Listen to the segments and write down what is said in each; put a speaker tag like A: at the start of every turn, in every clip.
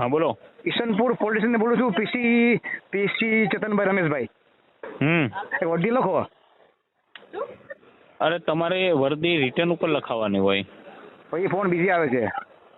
A: હા બોલો.
B: Isanpur police station બોલું છું. પીસી ચેતનભાઈ રમેશભાઈ. એ વર્દી લખો.
A: અરે તમારે વર્દી રિટર્ન ઉપર લખાવવાની હોય.
B: પછી ફોન બીજી આવે છે.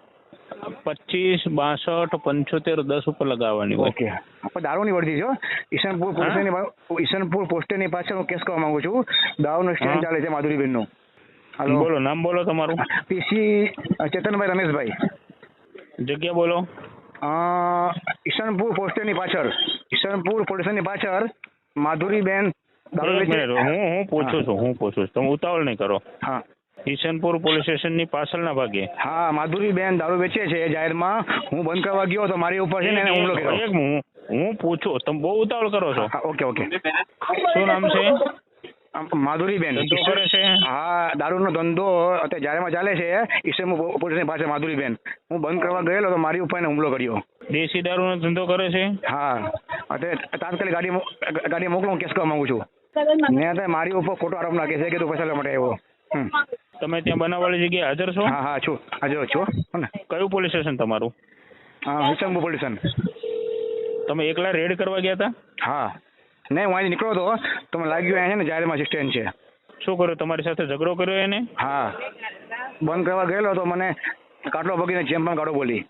A: 25 62 75 10 ઉપર લગાવવાની હોય.
B: ઓકે. આપણે દારૂની વર્દી છો. ઈશનપુર પોલીસ સ્ટેશનની ઈશનપુર પોસ્ટની પાછળ હું કેસ કરવા માંગુ છું. દારૂનો સ્ટેન્ડ ચાલે છે માધુરીબેનનું. હાલો,
A: બોલો નામ બોલો તમારું.
B: પીસી ચેતનભાઈ રમેશભાઈ.
A: જગ્યા બોલો.
B: ઈશનપુર પોસ્ટની પાછળ, ઈશનપુર પોલીસ સ્ટેશનની પાછળ માધુરીબેન દારૂ
A: એક
B: વેચે.
A: મિનિટ, હું પૂછું છું તમે ઉતાવળ નહીં કરો.
B: હા
A: ઈશનપુર પોલીસ સ્ટેશનની પાછળના ભાગે.
B: હા, માધુરીબેન દારૂ વેચે છે જાહેરમાં. હું બંધ કરવા ગયો તો મારી ઉપર છે ને એને હુમલો કર્યો.
A: હું પૂછું, તમે બહુ ઉતાવળ કરો છો.
B: હા, ઓકે ઓકે.
A: શું નામ છે?
B: માધુરીબેન.
A: ધંધો કરે છે?
B: હા, દારૂનો ધંધો અત્યારે જાહેરમાં ચાલે છે. ઈશનપુર પોલીસની પાસે માધુરીબેન. હું બંધ કરવા ગયેલો તો મારી ઉપર એને હુમલો કર્યો.
A: દેશી દારૂનો ધંધો કરે છે?
B: હા, અત્યારે તાત્કાલિક ગાડી મોકલો, હું કેસ કરવા માંગુ છું. મેં અત્યારે મારી ઉપર ખોટો આરોપ નાખે છે કે તું પૈસા લેવા માટે આવ્યો.
A: તમે ત્યાં બનાવવાળી જગ્યાએ હાજર છો?
B: હા હા છું, હાજર છું. હો ને?
A: કયું પોલીસ સ્ટેશન તમારું?
B: હા, ઈશનપુર પોલીસ સ્ટેશન.
A: તમે એકલા રેડ કરવા ગયા હતા?
B: હા, નહીં હું અહીંથી નીકળ્યો હતો તો મને લાગ્યું અહીંયા છે ને જાહેરમાં સ્ટેન્ડ છે.
A: શું કર્યું, તમારી સાથે ઝઘડો કર્યો એને?
B: હા, બંધ કરવા ગયેલો તો મને કાટલો ભગીને જેમ પણ ગાડો બોલી.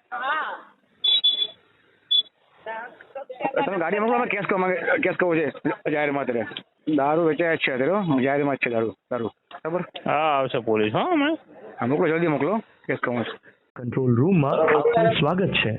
B: તમે ગાડી મોકલો, કેસ કરવો છે જાહેરમાં. અત્યારે દારૂ વેચાય જ છે, અત્યારે જાહેરમાં જ છે દારૂ. બરાબર?
A: હા, આવશે પોલીસ. હા હમણાં.
B: હા, મોકલો, જલ્દી મોકલો, કેસ કરવો છે.
C: કંટ્રોલ રૂમમાં આપનું સ્વાગત છે.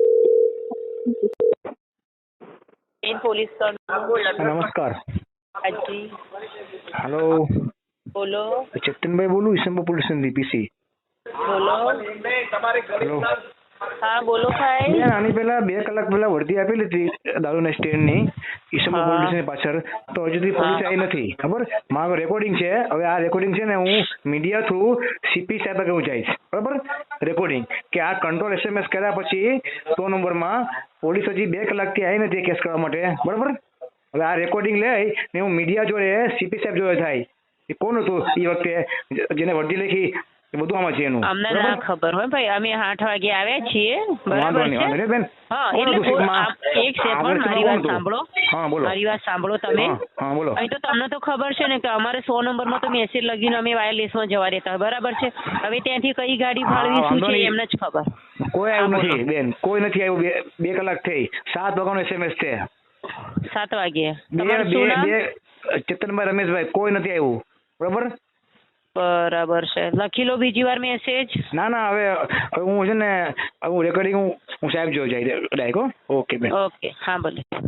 D: પોલીસ
B: નમસ્કાર.
D: હાજી
B: હેલો,
D: બોલો.
B: ચેતનભાઈ બોલું, ઈશનપુર પોલીસ સ્ટેશનથી પીસી.
D: બોલો.
B: હેલો.
D: હા બોલો ભાઈ.
B: મેં આની પહેલા 2 કલાક પહેલા વર્દી આપેલી હતી દારૂના સ્ટેન્ડની ઈશનપુર પોલીસ સ્ટેશનની પાછળ. તો હજુ સુધી પોલીસ આવી નથી. ખબર? મારો રેકોર્ડિંગ છે. હવે આ રેકોર્ડિંગ છે ને હું મીડિયા થ્રુ સીપી સાહેબ આગળ હું જઈશ. બરાબર? રેકોર્ડિંગ કે આ કંટ્રોલ SMS કર્યા પછી 100 નંબરમાં પોલીસ હજી 2 કલાકથી આવી નથી કેસ કરવા માટે. બરાબર? હવે આ રેકોર્ડિંગ લઈ ને હું મીડિયા જોડે સીપી સાહેબ જોડે થાય. એ કોણ હતું એ વખતે જેને વર્દી લખી? એ બધું આમાં છે એનું.
D: અમને ના ખબર હોય ભાઈ, અમે 8 વાગે આવ્યા છીએ. બરાબર છે?
B: બેન.
D: હા, એટલે એક સેકન્ડ મારી વાત સાંભળો.
B: હા બોલો.
D: મારી વાત સાંભળો તમે.
B: હા બોલો.
D: અહીં તો તમને તો ખબર છે ને કે અમારે 100 નંબરમાં તો મેસેજ લગીને અમે વાયરલેસમાં જવા રહેતા હોય. બરાબર છે? હવે ત્યાંથી કઈ ગાડી ફાળવી શું છે એમને જ ખબર.
B: કોઈ આવ્યું નથી બેન, કોઈ નથી આવ્યું. 2 કલાક થઈ. 7 વાગ્યાનો SMS છે.
D: 7 વાગે. તમારું શું નામ?
B: ચેતનભાઈ રમેશભાઈ. કોઈ નથી આવ્યું. બરાબર?
D: બરાબર છે, લખી લો બીજી વાર મેસેજ.
B: ના ના, હવે હું છે ને હું રેકોર્ડિંગ હું સાહેબ જોઈ જાય ડાયરેક્ટ. ઓકે બેન.
D: ઓકે, હા ભલે.